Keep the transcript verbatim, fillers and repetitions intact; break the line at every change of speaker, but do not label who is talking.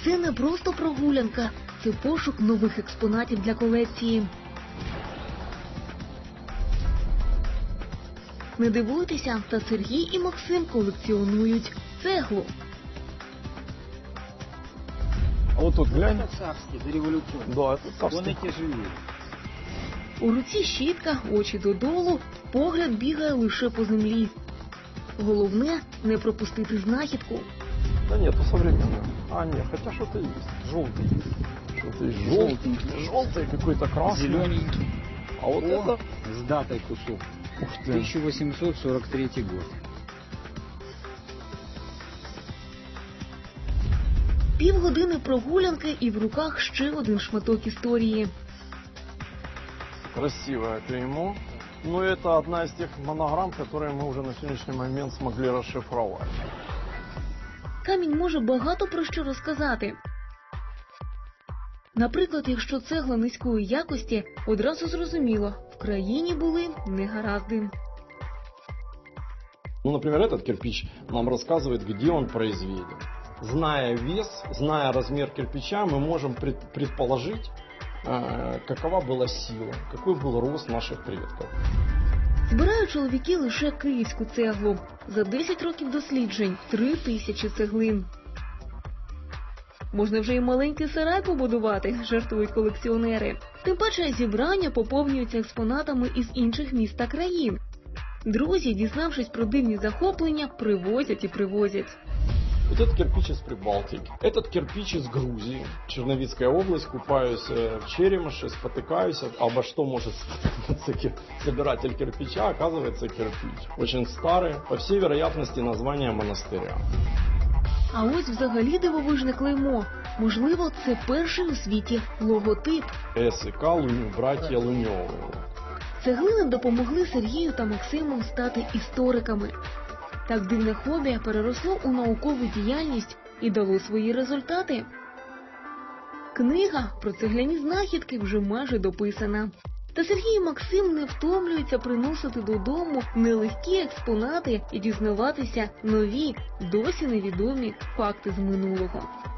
Це не просто прогулянка, це пошук нових експонатів для колекції. Не дивуйтеся, та Сергій і Максим колекціонують цеглу.
А вот тут глянь.
Это царский, дореволюционный.
Да, это
Он
царский.
и тяжелее.
У руці щітка, очі додолу, погляд бігає лише по землі. Головне – не пропустити знахідку.
Да нет, это современное. А, нет, хотя что-то есть. Желтый есть. Что-то есть желтый. Желтый какой-то красный.
Зелененький.
А вот
О,
это...
с датой кусок.
Ух ты.
тысяча восемьсот сорок третий год.
Півгодини прогулянки і в руках ще один шматок історії.
Красивое клеймо. Но это одна из тех монограмм, которые мы уже на сегодняшний момент смогли расшифровать.
Камінь може багато про що розказати. Наприклад, якщо цегла низької якості, одразу зрозуміло – в країні були негаразди.
Ну, например, этот кирпич нам рассказывает, где он произведен. Зная вес, зная размер кирпича, мы можем пред- предположить, э, какова была сила, какой был рост наших предков.
Збирають чоловіки лише київську цеглу. За десять років досліджень – три тисячі цеглин. Можна вже і маленький сарай побудувати, жартують колекціонери. Тим паче зібрання поповнюються експонатами із інших міст та країн. Друзі, дізнавшись про дивні захоплення, привозять і привозять.
Вот этот кирпич из Прибалтики, этот кирпич из Грузии, Черновицкая область, купаюсь э, в Черемше, спотыкаюсь, обо что может спотыкнуться кир- собиратель кирпича, оказывается кирпич. Очень старый, по всей вероятности название монастыря.
А ось взагалі дивовижне клеймо. Можливо, це перший у світі логотип.
С и К Луню, братья Луневы.
Цеглини допомогли Сергію та Максиму стати істориками. Так дивне хобі переросло у наукову діяльність і дало свої результати. Книга про цегляні знахідки вже майже дописана. Та Сергій і Максим не втомлюються приносити додому нелегкі експонати і дізнаватися нові, досі невідомі факти з минулого.